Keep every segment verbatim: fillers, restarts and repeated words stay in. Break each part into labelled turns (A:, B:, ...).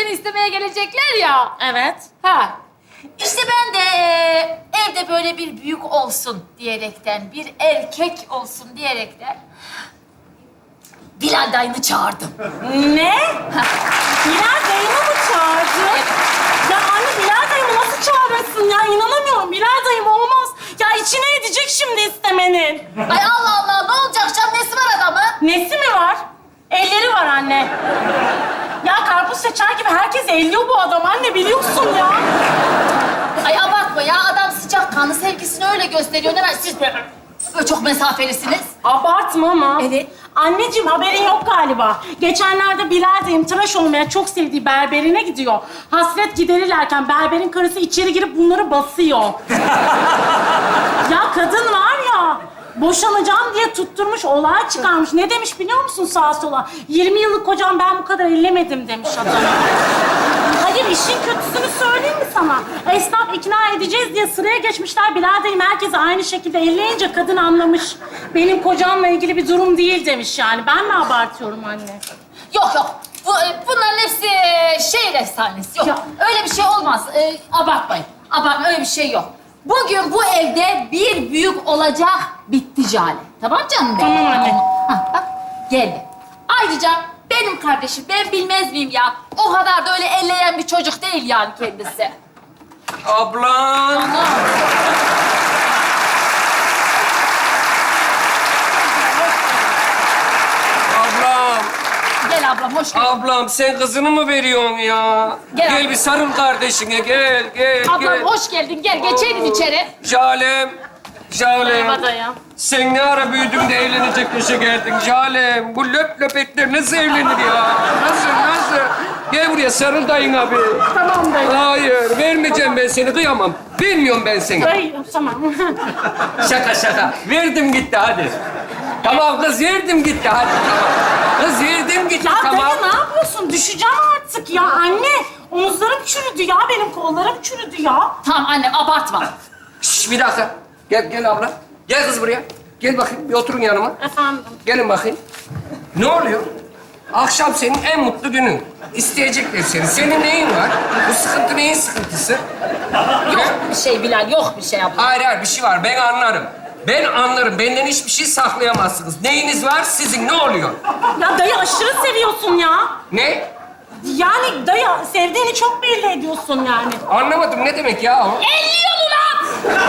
A: seni istemeye gelecekler ya.
B: Evet.
A: Ha. İşte ben de e, evde böyle bir büyük olsun diyerekten, bir erkek olsun diyerekten Bilal dayını çağırdım.
B: Ne? Bilal dayımı mı çağırdın? Ya anne Bilal dayımı nasıl çağırırsın ya? İnanamıyorum. Bilal dayım olmaz. Ya içine edecek şimdi istemenin.
A: Ay Allah Allah, ne olacak canım? Nesi var adamın?
B: Nesi mi var? Elleri var anne. Ya karpuz seçer gibi herkes elliyor bu adam anne biliyorsun ya.
A: Ay abartma ya, adam sıcakkanlı, sevgisini öyle gösteriyor. Ne var siz böyle, böyle çok mesafelisiniz.
B: Abartma ama.
A: Evet.
B: Anneciğim haberin yok galiba. Geçenlerde Bilal dayım tıraş olmaya çok sevdiği berberine gidiyor. Hasret giderirlerken berberin karısı içeri girip bunları basıyor. Ya kadın var ya, boşanacağım diye tutturmuş, olay çıkarmış. Ne demiş biliyor musun sağa sola? yirmi yıllık kocam ben bu kadar ellemedim demiş adam. Hayır, işin kötüsünü söyleyeyim mi sana? Esnaf ikna edeceğiz diye sıraya geçmişler. Bilal dayım herkese aynı şekilde elleyince kadın anlamış. Benim kocamla ilgili bir durum değil demiş yani. Ben mi abartıyorum anne?
A: Yok yok, Bu, e, bunların hepsi e, şehir efsanesi. Yok,
B: Ya.
A: öyle bir şey olmaz. E, abartmayın, abartma, öyle bir şey yok. Bugün bu evde bir büyük olacak, bitti Cale. Tamam canım benim?
B: Tamam anne.
A: Ha, bak, geldi. Ayrıca benim kardeşim, ben bilmez miyim ya? O kadar da öyle elleyen bir çocuk değil yani kendisi.
C: Ablam.
A: Ana.
C: Ablam.
A: Gel ablam, hoş geldin.
C: Ablam sen kızını mı veriyorsun ya?
A: Gel
C: Gel
A: ablam.
C: bir sarıl kardeşine gel gel
A: Ablam
C: gel.
A: hoş geldin, gel geçeydin içeri.
C: Jalem. Jalem.
B: Merhaba dayım.
C: Sen ne ara büyüdün de evlenecek yaşa geldin Jalem. Bu löp löp etler nasıl evlenir ya? Nasıl nasıl? Gel buraya sarıl dayın abi.
B: Tamam dayı.
C: Hayır vermeyeceğim ben seni kıyamam. Bilmiyorum ben seni.
B: Dayı, tamam.
C: Şaka şaka. Verdim gitti hadi. Tamam kız verdim gitti hadi. Tamam. Kız verdim gitti
B: Ya
C: tamam.
B: dayı ne yapıyorsun? Düşeceğim artık ya anne. Omuzlarım çürüdü ya, benim kollarım çürüdü ya.
A: Tamam annem, abartma.
C: Şş, bir dakika. Gel, gel abla. Gel kız buraya. Gel bakayım, bir oturun yanıma.
B: Efendim?
C: Gelin bakayım. Ne oluyor? Akşam senin en mutlu günün. İsteyecekler seni. Senin neyin var? Bu sıkıntı neyin sıkıntısı?
A: Yok bir şey Bilal, yok bir şey abla.
C: Hayır, hayır. Bir şey var. Ben anlarım. Ben anlarım. Benden hiçbir şey saklayamazsınız. Neyiniz var sizin? Ne oluyor?
B: Ya dayı aşırı seviyorsun ya.
C: Ne?
B: Yani dayı sevdiğini çok belli ediyorsun yani.
C: Anlamadım. Ne demek ya o?
A: Elliyor ulan!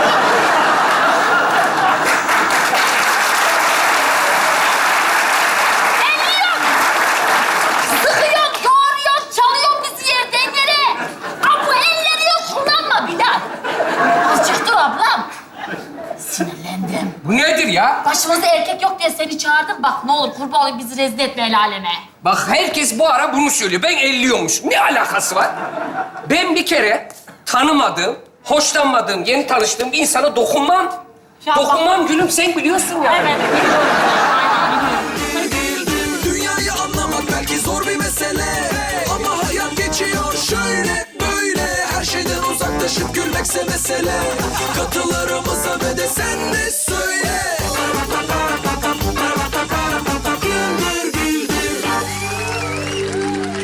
A: Elliyor! Sıkıyor, yoğuruyor, çalıyor bizi yerden yere. Aa, bu elleri yok, kullanma Bilal. Azıcık dur ablam. Sinirlendim.
C: Bu nedir ya?
A: Başımızda erkek yok diye seni çağırdım. Bak ne olur kurban olayım, bizi rezil etme el aleme.
C: Bak herkes bu ara bunu söylüyor. Ben elliyormuş. Ne alakası var? Ben bir kere tanımadığım, hoşlanmadığım, yeni tanıştığım bir insana dokunmam.
B: Ya
C: dokunmam gülüm, sen biliyorsun ya.
B: Evet, biliyorum. Aynen biliyorum.
D: Dünyayı anlamak belki zor bir mesele, ama hayat geçiyor şöyle böyle. Her şeyden uzaklaşıp gülmekse mesele. Katılarımız